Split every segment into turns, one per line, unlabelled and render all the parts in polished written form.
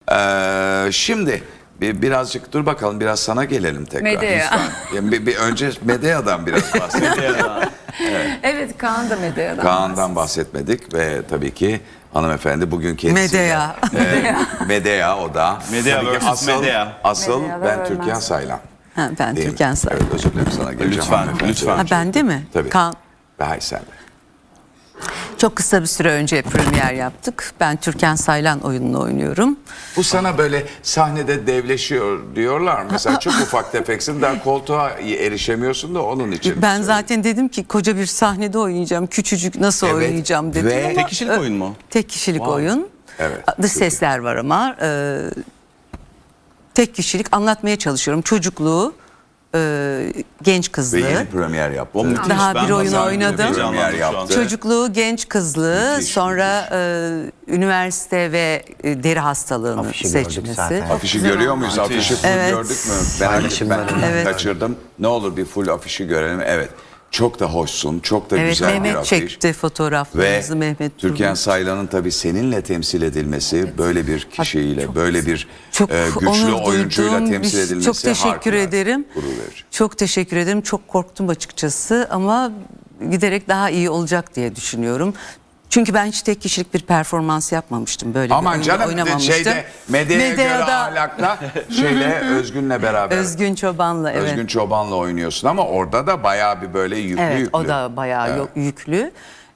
Şimdi birazcık dur bakalım, biraz sana gelelim tekrar.
Medea.
Yani önce Medea'dan biraz bahsedelim.
Evet, Kaan da Medea'dan.
Kaan'dan bahsetmedik ve tabii ki hanımefendi bugün kendisi.
Medea.
Medea o da.
Medea
Tabii ki
versus Medea.
Asıl
Medea
ben
da
Türkan
ölmez.
Saylan.
Ha, ben
Değil mi?
Türkan Saylan.
Evet, özür dilerim, sana geleceğim.
Lütfen,
hanımefendi.
lütfen.
Ha, bende mi?
Tabii.
Kaan.
Hayır, sen de.
Çok kısa bir süre önce premier yaptık. Ben Türkan Saylan oyununu oynuyorum.
Bu sana böyle sahnede devleşiyor diyorlar. Mesela çok ufak tefeksin, daha koltuğa erişemiyorsun da onun için.
Ben zaten dedim ki koca bir sahnede oynayacağım. Küçücük nasıl
Evet.
oynayacağım dedim.
Ve
ama,
Tek kişilik oyun mu?
Tek kişilik oyun.
Evet,
Dış
çok
sesler var ama tek kişilik anlatmaya çalışıyorum. Çocukluğu, genç
Ve
kızlığı.
yeni premier yaptı.
O müthiş.
Daha bir oyun
pazar günü
oynadım.
heyecanlandım şu an.
Yaptı.
Çocukluğu, genç kızlığı,
Müthiş,
sonra üniversite ve deri hastalığını
Afişi gördük
seçmesi.
zaten.
Afişi görüyor muyuz?
Müthiş.
Afişi full
Evet.
gördük mü? Merak ettim, ben
Evet.
kaçırdım. Ne olur bir full afişi görelim. Evet. Çok da hoşsun. Çok da
Evet,
güzel bir
Mehmet
afiş.
çekti
Ve
fotoğraflarımızı, Mehmet
Türkan
Turgut.
Saylan'ın tabii seninle temsil edilmesi, böyle bir kişiyle, böyle bir
Çok
güçlü
onur
oyuncuyla
duydum.
temsil edilmesi
Çok teşekkür
harikulade,
ederim.
gurur verici.
Çok teşekkür ederim. Çok korktum açıkçası ama giderek daha iyi olacak diye düşünüyorum. Çünkü ben hiç tek kişilik bir performans yapmamıştım. Böyle bir
Aman
oyunda
canım,
oynamamıştım.
şeyde Medya'ya göre
Medya'da
ahlakla Özgün'le beraber.
Özgün Çoban'la, evet.
Özgün Çoban'la oynuyorsun ama orada da bayağı bir böyle yüklü
Evet,
yüklü.
o da bayağı yüklü.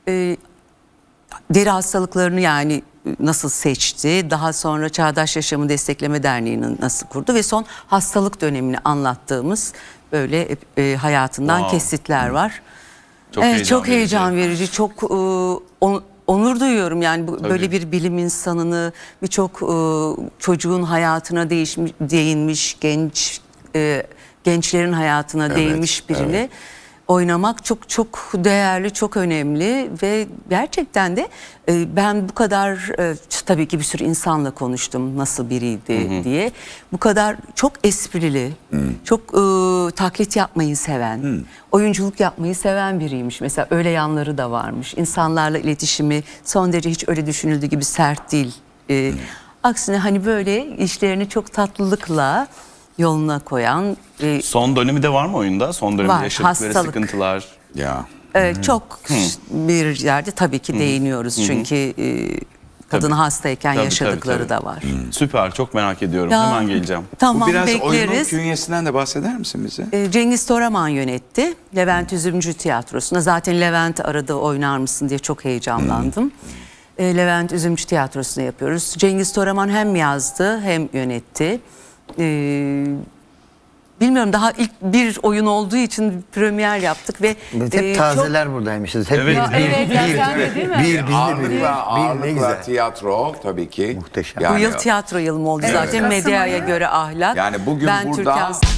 Deri hastalıklarını yani nasıl seçti, daha sonra Çağdaş Yaşamı Destekleme Derneği'ni nasıl kurdu ve son hastalık dönemini anlattığımız böyle hayatından
Wow.
kesitler var.
Çok
Evet,
heyecan
çok
verici.
heyecan verici, çok onur duyuyorum yani böyle bir bilim insanını, birçok çocuğun hayatına değinmiş, gençlerin hayatına değinmiş birini oynamak çok çok değerli, çok önemli ve gerçekten de ben bu kadar tabii ki bir sürü insanla konuştum nasıl biriydi diye. Bu kadar çok esprili, çok taklit yapmayı seven, oyunculuk yapmayı seven biriymiş. Mesela öyle yanları da varmış. İnsanlarla iletişimi son derece hiç öyle düşünüldüğü gibi sert değil. Aksine hani böyle işlerini çok tatlılıkla yoluna koyan
Son dönemi de var mı oyunda? Son dönemde
Var,
yaşadıkları
hastalık.
sıkıntılar.
Ya.
çok bir yerde tabii ki değiniyoruz. Çünkü kadın
Tabii.
hastayken
Tabii,
yaşadıkları
tabii.
da var.
Süper, çok merak ediyorum.
Ya,
Hemen geleceğim.
Tamam,
Biraz oyunun
bekleriz.
künyesinden de bahseder misin bize?
Cengiz Toraman yönetti. Levent Üzümcü Tiyatrosu'na. Zaten Levent aradı, oynar mısın diye çok heyecanlandım. Levent Üzümcü Tiyatrosu'na yapıyoruz. Cengiz Toraman hem yazdı hem yönetti. Bilmiyorum, daha ilk bir oyun olduğu için premier yaptık ve
Hep tazeler buradaymışız. Hep
Evet.
Evet, ya sen de değil mi?
Ağırlıkla tiyatro tabii ki.
Muhteşem.
bu yıl tiyatro yılım oldu zaten.
Kasım
Medyaya
ayı.
göre ahlak.
Yani bugün
ben
burada
Türkan